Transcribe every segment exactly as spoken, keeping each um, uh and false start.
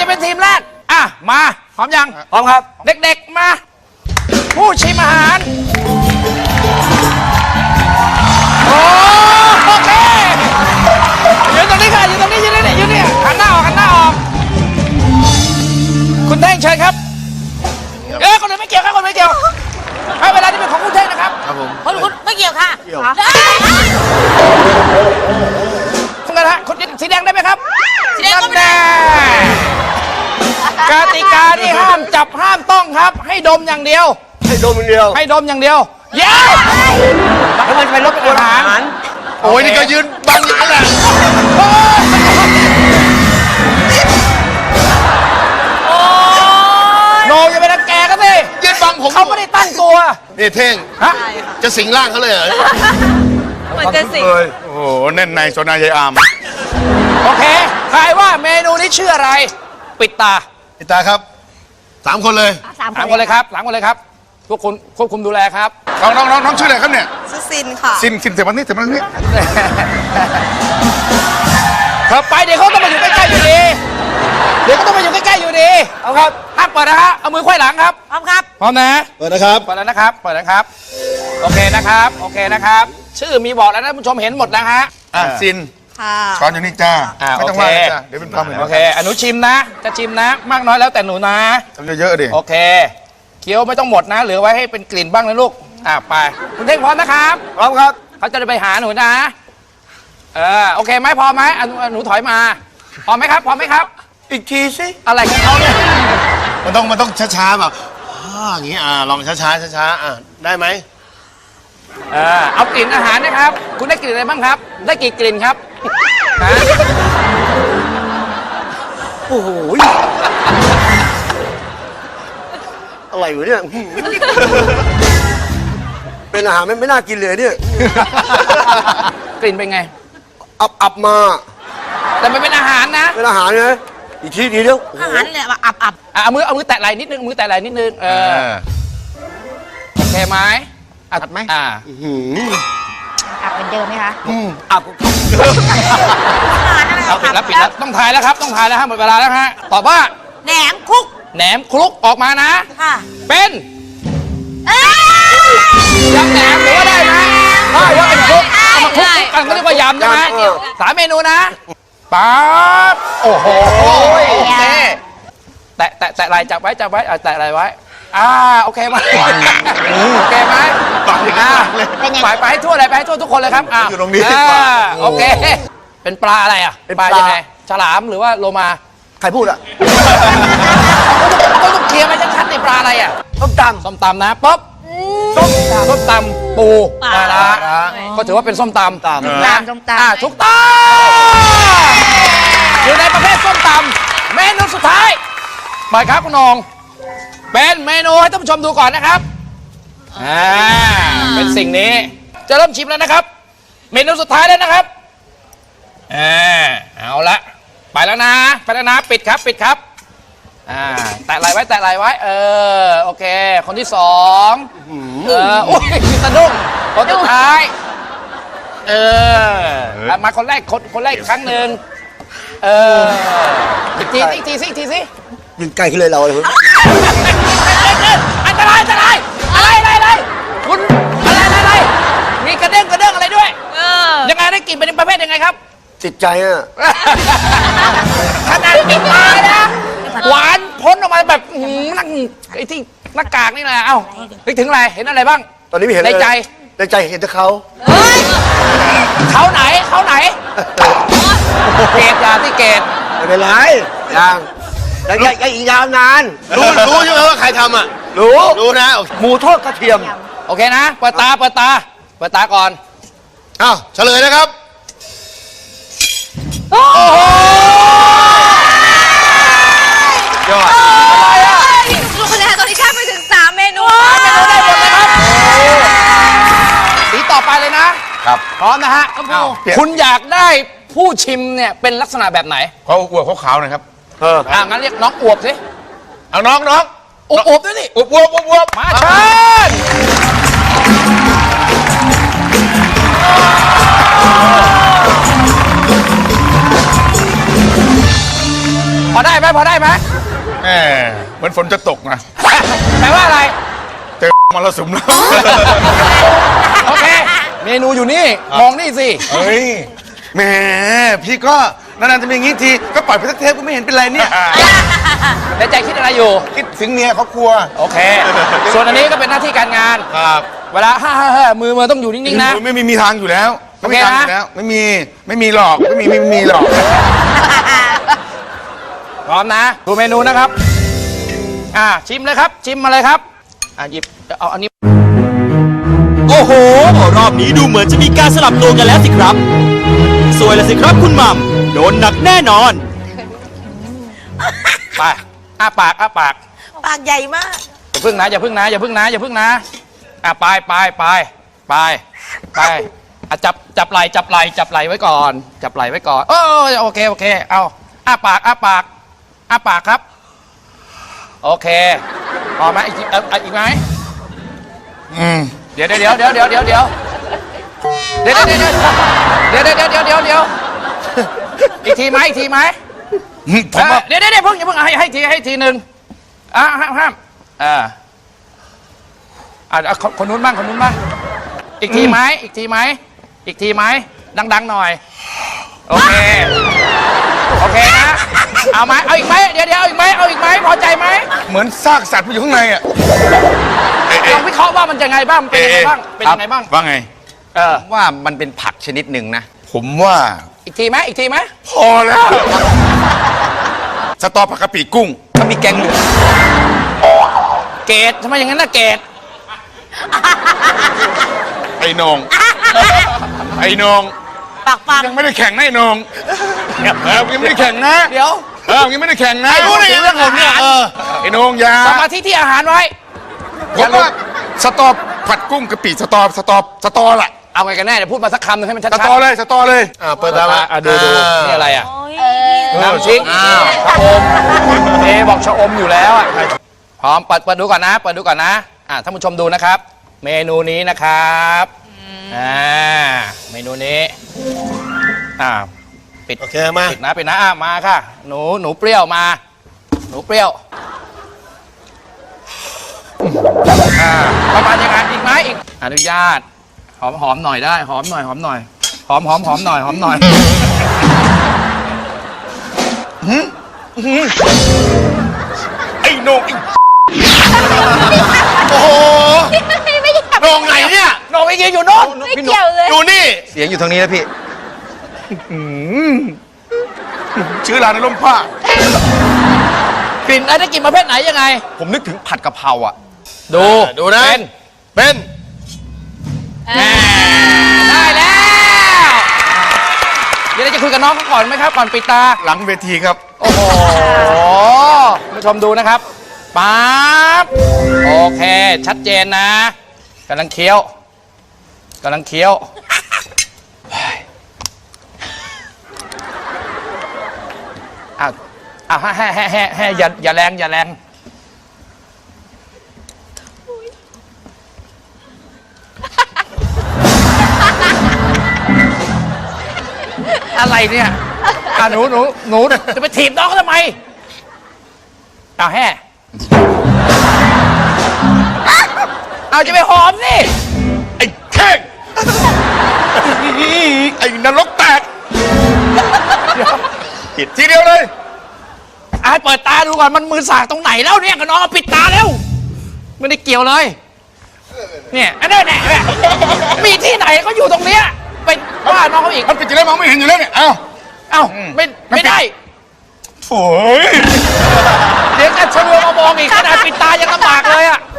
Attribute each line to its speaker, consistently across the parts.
Speaker 1: เป็นทีมแรกอ่ะมาพร้อมยัง
Speaker 2: พร้อมครับ
Speaker 1: เด็กๆมาผู้ชิมอาหารโอเคยืนตรงนี้ค่ะยืนตรงนี้ยืนนี่ยืนนี่หันหน้าออกหันหน้าออกคุณเท่งเชิญครับเอ้ยคนอื่นไม่เกี่ยวครับคนไม่เกี่ยวให้เวลาที่เป็นของคุณเท่งนะครับครับผม
Speaker 3: คุณคุณไม่เกี่ยวค่ะเกี่ยว
Speaker 1: คุณกันฮะคุณสีแดงได้ไหมครับ
Speaker 3: สีแดงก็ไม่ได้
Speaker 1: กติกาที่ห้ามจับห้ามต้องครับ ให้ดมอย่างเดียว
Speaker 2: ให้ดมอย่างเดียว
Speaker 1: ให้ดมอย่างเดียวเย้แล้วมันจะไปรบกวนอาหารโอ้ยนี่ก็ยืนบังอย่างนั้นแหละโนอย่าไปรังแกก็สิยืนบังผมเขาไม่ได้ตั้งตัว
Speaker 4: นี่เท่ง
Speaker 1: ฮะ
Speaker 4: จะสิงร่างเขาเลยเหรอ
Speaker 3: เหมือนจะสิง
Speaker 4: โอ้โหแน่นในโซนายายอาม
Speaker 1: โอเคทายว่าเมนูนี้ชื่ออะไรปิดตา
Speaker 4: พี่ตาครับสามคนเลย
Speaker 3: สาม
Speaker 1: สามคนเลยครับสามคนเลยครับทุกคนควบคุมดูแลครับ
Speaker 4: น้องน้องน้องน้องชื่ออะไรครับเนี่ย
Speaker 3: สุซินค่ะ
Speaker 4: สินสินเสร็จวันนี้เสร็จวันนี้
Speaker 1: เธอไปเดี๋ยวเขาต้องมาอยู่ใกล้ๆอยู่ดีเดี๋ยวเขาต้องมาอยู่ใกล้ๆอยู่ดีเอาครับห้ามเปิดนะฮะเอามือไขว้หลังครับ
Speaker 3: พร้อมครับ
Speaker 1: พร้อมนะ
Speaker 4: เปิดนะครับ
Speaker 1: เปิดแล้วนะครับเปิดแล้วครับโอเคนะครับโอเคนะครับชื่อมีบอกแล้วนะผู้ชมเห็นหมดนะฮะ
Speaker 4: อ่ะสิน
Speaker 3: ค่ะ
Speaker 4: ช้อนอยู่นี่จ้า
Speaker 1: อ่า
Speaker 4: ไม่ต้อง
Speaker 1: โอ
Speaker 4: ว่า
Speaker 1: เค
Speaker 4: จ้าเดี๋ยวเป็นความเหมือน
Speaker 1: โอเคอนุชิมนะจะชิมนะ มากน้อยแล้วแต่หนูนะ
Speaker 4: ทำเยอะๆดิ
Speaker 1: โอเคเคี้ยวไม่ต้องหมดนะเหลือไว้ให้เป็นกลิ่นบ้างนะลูกอ่าไปคุณเท่งพร้อมนะครับ
Speaker 2: พร้อมครับ
Speaker 1: เขาจะไปหาหนูนะเออโอเคไหมพอไหมอ่ะหนูถอยมาพร้อมไหมครับพร้อมไหมครับ
Speaker 2: อีกทีสิ
Speaker 1: อะไรของเขาเนี่ย
Speaker 4: มันต้องมันต้องช้าๆแบบอ่าอย่างงี้อ่าลองช้าๆช้าๆอ่าได้ไหม
Speaker 1: เออเอากลิ่นอาหารนะครับ คุณได้กลิ่นอะไรบ้างครับ ได้กี่กลิ่นครับฮะ
Speaker 2: โอ้โหอะไรวะเนี่ยเป็นอาหารไม่ไม่น่ากินเลยเนี่ย
Speaker 1: กลิ่นเป็นไง
Speaker 2: อับอับมา
Speaker 1: แต่มันเป็นอาหารนะ
Speaker 2: เป็นอาหารไงอีกทีเดียว
Speaker 3: อาหารเนี่ยอับอับ
Speaker 1: อ่ะเอามือเอามือแตะไหล่นิดนึงเอามือแตะไหล่นิดนึงเอ
Speaker 4: เอ
Speaker 1: อ
Speaker 4: อ
Speaker 1: โอเคไหมอ่ะ
Speaker 4: ชัดไหม
Speaker 1: อ่า
Speaker 2: หืม
Speaker 3: อับเป็นเดิมไหมคะ
Speaker 2: อับ
Speaker 3: อาหารอะไร
Speaker 1: เอาปิดแล้วปิดแล้วต้องถ่ายแล้วครับต้องถ่ายแล้วฮะหมดเวลาแล้วฮะตอบว่า
Speaker 3: แหนมคุก
Speaker 1: แหนมคลุกออกมานะ
Speaker 3: ค่ะ
Speaker 1: เป็น
Speaker 3: เอ้ย
Speaker 1: ยำแหนมหรือว่าได้ไหมได้ว่าเป็นคลุกเอามาคลุก
Speaker 3: ได้
Speaker 1: กันก็เรียกว่ายำใช่ไหมสามเมนูนะป๊าบโอ้โหโอเคแตะแตะแตะไหล่จับไว้จับไว้อ่ะแตะไหล่ไว้อ่าโอเคไหมโอเคไหม
Speaker 4: ปากถึง
Speaker 1: อ่า
Speaker 4: ปากเลย
Speaker 1: ไปไปให้ทั่วเลยไปให้ทั่วทุกคนเลยครับอ่า
Speaker 4: อยู่ตรงนี้
Speaker 1: อ่าโอเคเป็นปลาอะไรอ่ะปลายังไงฉลามหรือว่าโลมา
Speaker 2: ใครพูดอะ
Speaker 1: ก็ต้องเคลียร์ไปชัดๆในปลาอะไรอ่ะ
Speaker 2: ต้มตำ
Speaker 1: ส้มตำนะป๊บส้มตำส้มตำปูปลาร้าก็ถือว่าเป็นส้มตำ
Speaker 2: ตำ
Speaker 1: นะ
Speaker 3: ส้มตำ
Speaker 1: อ่าถูกต้องอยู่ในประเภทส้มตำเมนูสุดท้ายเปิดครับคุณนงเป็นเมนูให้ท่านผู้ชมดูก่อนนะครับอ่าเป็นสิ่งนี้จะเริ่มชิมแล้วนะครับ เมนูสุดท้ายแล้วนะครับอ่าเอาละไปแล้วนะไปแล้วนะปิดครับปิดครับอ่าแตะไหลไว้แตะไหลไว้เออโอเค คนที่สองเออโอ้ยสะดุ้งคนสุดท้ายเอออ่ะมาคนแรกคนคนแรกอีกครั้งหนึ่งเอออีกทีอีกทีสิอีกทีสิ
Speaker 2: ยิงไกลขึ้นเลยเราเลย
Speaker 1: อันตรายอันตรายอะไรอะไรอะไรคุณอะไรอะไรอะไรมีกระเด้งกระเด้งอะไรด้วย
Speaker 3: เออ
Speaker 1: ยังไงได้กลิ่นเป็นประเภทยังไงครับ
Speaker 2: จิตใจอะ
Speaker 1: ขนาดปิดตานะหวานพ้นออกมาแบบอื้อหือนั่งไอ้ที่หน้ากากนี่แหละเอ้านึกถึงอะไรเห็นอะไรบ้าง
Speaker 2: ตอนนี้ไม่เห็น
Speaker 1: ใน
Speaker 2: เลย
Speaker 1: ใจ
Speaker 2: ในใจเห็นแต่เขา
Speaker 3: เฮ้ย
Speaker 1: เขาไหนเขาไหนเกตยาที่เกต
Speaker 2: ไม่เป็นไรยังยังยังยังอีกยาวนาน
Speaker 4: รู้รู้ใช่ไหมว่าใครทำอ่ะ
Speaker 2: รู้
Speaker 4: รู้นะ
Speaker 2: หมูทอดกระเทียม
Speaker 1: โอเคนะเปิดตาเปิดตาเปิดตาก่อน
Speaker 4: อ้าวเฉลยนะครับ
Speaker 1: โอ้โห
Speaker 4: ยอด
Speaker 3: ลูกคะแนนตอนนี้แค่ไปถึงสามเมนู
Speaker 1: เมนูได้หมดเลยครับสีต่อไปเลยนะครับ พร้อมนะฮะ
Speaker 4: อ้าว
Speaker 1: คุณอยากได้ผู้ชิมเนี่ยเป็นลักษณะแบบไหน
Speaker 4: เขาอวบเขาขาวหน่อยครับ
Speaker 2: เออ
Speaker 1: อ่างั้นเรียกน้องอวบสิ
Speaker 4: เอาน้องน้อง
Speaker 1: อวบอวบด้วยสิ
Speaker 4: อวบอวบอวบอวบ
Speaker 1: มาเชิญพออได้ไหมพอได้ไหม
Speaker 4: แหมเหมือนฝนจะตกนะ
Speaker 1: แปลว่าอะไร
Speaker 4: เจอมรสุมแล้ว
Speaker 1: โอเค เมนูอยู่นี่ มองนี่สิ
Speaker 4: เฮ้ยแหมพี่ก็นานๆจะมีอย่างงี้ทีก็ปล่อยไปสักเทปก็ไม่เห็นเป็นไรเนี่ย
Speaker 1: ในใจคิดอะไรอยู่
Speaker 4: คิดถึงเมียเขากลัว
Speaker 1: โอเค ส่วนอันนี้ก็เป็นหน้าที่การงาน
Speaker 4: ครับ
Speaker 1: เวลาฮ่าฮ่าฮ่ามือมือต้องอยู่นิ่งๆนะ
Speaker 4: ไม่มีมีทางอยู่แล้วไม่มี
Speaker 1: โอเคนะ
Speaker 4: ทางอยู่แล้วไม่มีไม่มีหรอกไม่มีไม่มีหรอก
Speaker 1: พร้อมนะ ดูเมนูนะครับ อ่าชิมเลยครับ ชิมมาเลยครับ อ่าหยิบเอาอันนี้
Speaker 5: โอ้โห รอบนี้ดูเหมือนจะมีการสลับตัวกันแล้วสิครับ สวยแล้วสิครับคุณหม่ำโดนหนักแน่นอน
Speaker 1: ไปอ้าปากอ้าปาก
Speaker 3: ปากใหญ่มาก
Speaker 1: อย่าพึ่งนะอย่าพึ่งนะอย่าพึ่งนะอย่าพึ่งนะอ่ะไปไปไปไปไปอ่ะจับจับไหลจับไหลจับไหลไว้ก่อน จับไหลไว้ก่อนเออโอเคโอเคเอาอ้าปากอ้าปากอ้าปากครับ โอเคพอไหมอีกทีเออเอาอีกไหม
Speaker 4: อืม
Speaker 1: เดี๋ยวเดี๋ยวเดี๋ยวเดี๋ยวเดี๋ยวเดี๋ยวเดี๋ยวเดี๋ยวเดี๋ยวเดี๋ยวเดี๋ยวเดี๋ยวเดี๋ยวเดี๋ยวเดี๋ยวอีกทีไหมอีกทีไหม
Speaker 4: ผมว่า
Speaker 1: เดี๋ยวเดี๋ยวเดี๋ยวเพิ่งอย่าเพิ่งให้ให้ทีให้ทีหนึ่งอ่ะห้ามห้ามอ่าอ่ะคนคนนู้นบ้างคนนู้นบ้างอีกทีไหมอีกทีไหมอีกทีไหมดังๆหน่อยโอเคโอเคนะเอาไหมเอาอีกไหมเดี๋ยวเดี๋ยวเอาอีกไหมเอาอีกไหมพอใจไหม
Speaker 4: เหมือนซากสัตว์มันอยู่ข้างในอ่ะ
Speaker 1: ลองวิเคราะห์ว่ามันจะไงบ้างเป็นยังไงบ้างเป็นยังไงบ้าง
Speaker 4: ว่าไง
Speaker 1: เออ
Speaker 2: ว่ามันเป็นผักชนิดหนึ่งนะ
Speaker 4: ผมว่า
Speaker 1: อีกทีไหมอีกทีไหม
Speaker 4: พอแล้วสตอผักกะปิกุ้ง
Speaker 2: ก็มีแกงเหลือง
Speaker 1: เกตทำไมอย่างนั้นนะเกต
Speaker 4: ไอ้นองไอ้นอง
Speaker 3: ปากปัง
Speaker 4: ยังไม่ได้แข่งนะไอ้นองเออยังไม่ได้แข่งนะ
Speaker 1: เดี๋ยว
Speaker 4: เออยังไม่ได้แข่งนะ
Speaker 1: รู้ได้ไงเรื่องผมเนี่ยเออ
Speaker 4: ไอ้นองอยา
Speaker 1: สมาธิที่อาหารไว้
Speaker 4: ผมว่าสตอผัดกุ้งกะปิสตอสตอสตอแหละ
Speaker 1: เอาไงกันแน่เดี๋ยวพูดมาสักคำหนึงให้มันชัด
Speaker 4: ส
Speaker 1: ๆ
Speaker 4: ตอเลยสตอเลยอ่าเปิดตามา
Speaker 1: อ่ะดูดูนี่อะไรอ่ะ
Speaker 3: เออ
Speaker 1: น้ำชิกชะอมเอบอกชะอมอยู่แล้วอ่ะพร้อมเปิดเปิดดูก่อนนะเปิดดูก่อนนะอ่ะท่านผู้ชมดูนะครับ เมนูนี้นะครับอ่าเมนูนี้อ่าปิด
Speaker 4: โอเคมา
Speaker 1: ปิดนะปิดนะอ่ะมาค่ะ หนูหนูเปรี้ยวมา หนูเปรี้ยวอ่าประมาณยังไงอีกไหมอีกอนุญาตหอมหอมหน่อยได้หอมหน่อยหอมหน่อยหอมหอมหอมหน่อยหอมหน่อย
Speaker 4: ไอ้นองไอ้โอ้โห
Speaker 3: ไม่อยาก
Speaker 4: นองไหนเนี่ย
Speaker 1: โหนงอีกอยู่โน่น
Speaker 3: ไม่เกี่ยวเลย
Speaker 4: ดูนี่
Speaker 2: เสียงอยู่ทางนี้นะพี่
Speaker 4: ชื่อร้านในร่มผ้าก
Speaker 1: ลิ่นอะไรได้กลิ่นประเภทไหนยังไง
Speaker 2: ผมนึกถึงผัดกะเพราอ่ะ
Speaker 1: ดู
Speaker 4: ดูนะ
Speaker 1: เป็น
Speaker 4: เป็น
Speaker 1: ได้แล้วเดี๋ยวเราจะคุยกับน้องเขาก่อนไหมครับ ก่อนปิดตา
Speaker 4: หลังเวทีครับ
Speaker 1: โอ้โหคุณผู้ชมดูนะครับปั๊บโอเค ชัดเจนนะกำลังเคี้ยวกำลังเคี้ยวอ้าวอ้าวแฮ่แฮ่แฮ่แฮ่อย่าอย่าแรงอย่าแรงอะไรเนี่ยอ่ะหนูหนูหนูจะไปถีบน้องเขาทำไมอ้าวแฮ่เอาจะไปหอมสิ
Speaker 4: ไอ้แข้งไอ้นรกแตกผิดทีเดียวเลย
Speaker 1: อ่ะให้เปิดตาดูก่อนมันมือสากตรงไหนแล้วเนี่ยกับน้องเอาปิดตาแล้วไม่ได้เกี่ยวเลยเนี่ยอันนั้นแหละมีที่ไหนก็อยู่ตรงเนี้ยไปว่าน้องเขาอีก
Speaker 4: มันปิดอยู่แล้วมองไม่เห็นอยู่แล้วเนี่ยเอ้า
Speaker 1: เอ้าไม่ไม่ได้
Speaker 4: โอ้ย
Speaker 1: เดี๋ยวจะชะลวมามองอีกขนาดปิดตายังลำบากเลยอะ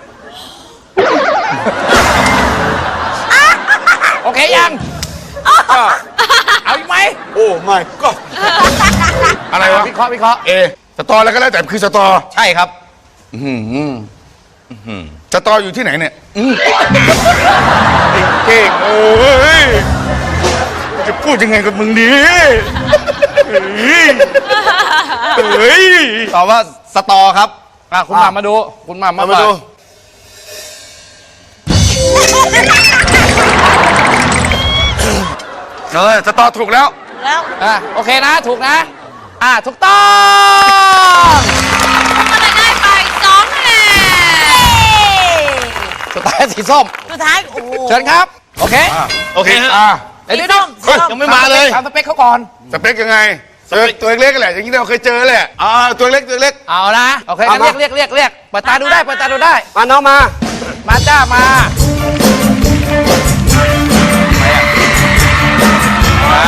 Speaker 1: โอเคยังเอาอีกไหม
Speaker 4: โอ้ไม่ก็อะไรวะ
Speaker 1: วิเคราะห์วิเคราะห์
Speaker 4: เอสตอแล้วก็แล้วแต่คือสตอ
Speaker 2: ใช่ครับ
Speaker 4: สตออยู่ที่ไหนเนี่ยไอ้เก่งเอ้ยจะพูดยังไงกับมึงดีเฮ้ย
Speaker 2: ตอบว่าสตอครับ
Speaker 1: อ่ะคุณหมามาดู คุณหมามา
Speaker 4: มาดู
Speaker 2: เออ
Speaker 4: สตอถูกแล้ว
Speaker 3: แล้ว
Speaker 1: อ่ะโอเคนะถูกนะอ่าถูกต้อง
Speaker 3: ก็เลยได้ไปสองคะแนน
Speaker 1: สุดท้ายสีส้ม
Speaker 3: สุดท้ายโอ้โห
Speaker 1: เชิญครับ โอเค
Speaker 4: โอเคฮะ
Speaker 1: อ่าเดี๋ยวเดี๋ยวเดี๋ยว
Speaker 4: เฮ้ยยังไม่มาเลย
Speaker 1: ถามสเปคเขาก่อน
Speaker 4: สเปคยังไงเจอตัวเล็กๆแหละอย่างที่เราเคยเจอแหละอ่าตัวเล็กตัวเล็ก
Speaker 1: เอานะโอเคงั้นเรียกเรียกเรียกเรียกเปิดตาดูได้เปิดตาดูได้
Speaker 2: มาน้องมา
Speaker 1: มาจ้ามาอ่า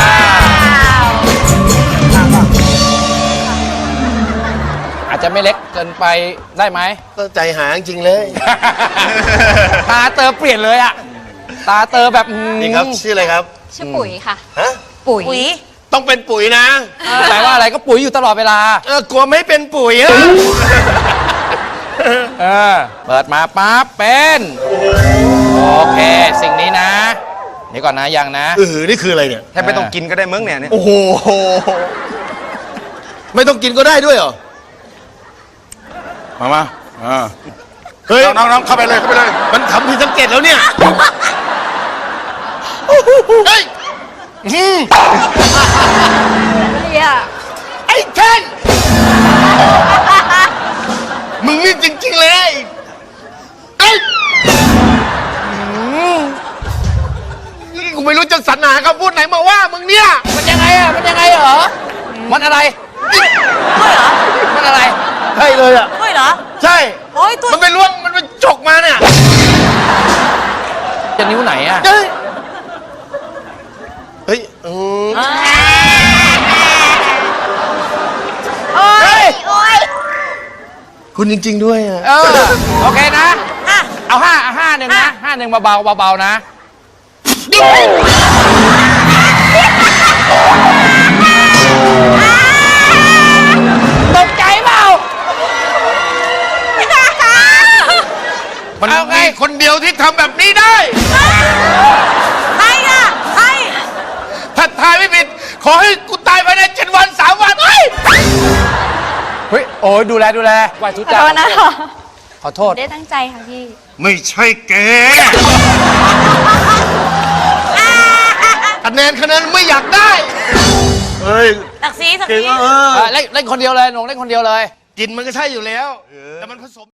Speaker 1: อาจจะไม่เล็กเกินไปได้ไหม
Speaker 2: ก็ใจหายจริงๆเลย
Speaker 1: ตาเตอเปลี่ยนเลยอะตาเตอแบบอืม
Speaker 2: นี่ครับชื่ออะไรครับ
Speaker 3: ชื่อปุ๋ยค่ะ
Speaker 2: ฮะ
Speaker 3: ปุ๋ย
Speaker 2: ต้องเป็นปุ๋ยนะ
Speaker 1: แปลว่าอะไรก็ปุ๋ยอยู่ตลอดเวลา
Speaker 2: เออกลัวไม่เป็นปุ๋ยอะ
Speaker 1: เออเปิดมาปั๊บเป็นโอเคสิ่งนี้นะเดี๋ยวก่อนนะยังนะ
Speaker 2: เออนี่คืออะไรเนี่ย
Speaker 4: แทบไม่ต้องกินก็ได้มั้งเนี่ยเนี่ย
Speaker 2: โอ้โหไม่ต้องกินก็ได้ด้วยเหรอ
Speaker 4: มามาอ่า
Speaker 2: เฮ้ย
Speaker 4: น้องน้องเข้าไปเลยเข้าไปเลย
Speaker 2: มันทำผิดสังเกตแล้วเนี่ยเฮ้ยอืม
Speaker 3: เนี่ย
Speaker 2: ไอ้เคนมึงนี่จริงๆเลยเอ้ยอืมนี่กูไม่รู้จะสรรหาคำพูดไหนมาว่ามึงเนี่ย
Speaker 1: มันยังไงอะมันยังไงเหรอมันอะไร
Speaker 3: ด้วยเหรอ
Speaker 1: มันอะไร
Speaker 2: ใช่เลยอ่ะ
Speaker 3: ด้วยเหรอ
Speaker 2: ใช่
Speaker 3: โอ้ยตัว
Speaker 2: มันไปล้วงมันไปจกมาเนี่ย
Speaker 1: จะนิ้วไหนอะ
Speaker 2: เฮ้ยเฮ้ยอืม
Speaker 3: โอ้ยโอ้ย
Speaker 2: คุณจริง ๆ ด้วยอ่ะ
Speaker 1: เออโอเคนะ
Speaker 3: อ่ะ
Speaker 1: เอาห้าเอาห้าหนึ่งนะห้าหนึ่งเบาๆเบาๆนะตกใจเปล่า
Speaker 2: มัน
Speaker 1: เอาไง
Speaker 2: มีคนเดียวที่ทำแบบนี้ได้
Speaker 3: ใครอ่ะใคร
Speaker 2: ถ้าทายไม่ผิด ขอให้กูตายภายในเจ็ดวันสามวันเฮ้ย
Speaker 1: เฮ้ยโอ้ยดูแลดูแลไหวทุก
Speaker 3: ขอ
Speaker 1: จ้า
Speaker 3: โทษนะ
Speaker 1: ขอโทษ
Speaker 3: ได้ตั้งใจค่ะพี่
Speaker 4: ไม่ใช่แก
Speaker 2: คะแนนคะแนนไม่อยากได้ เฮ้ย
Speaker 3: สักซีสัก
Speaker 2: เก่ง
Speaker 3: ซี
Speaker 2: อ่ะเออ
Speaker 1: เออเล่นเล่นคนเดียวเลยหนงเล่นคนเดียวเลย
Speaker 2: กินมันก็ใช่อยู่แล้ว แต่มันผสม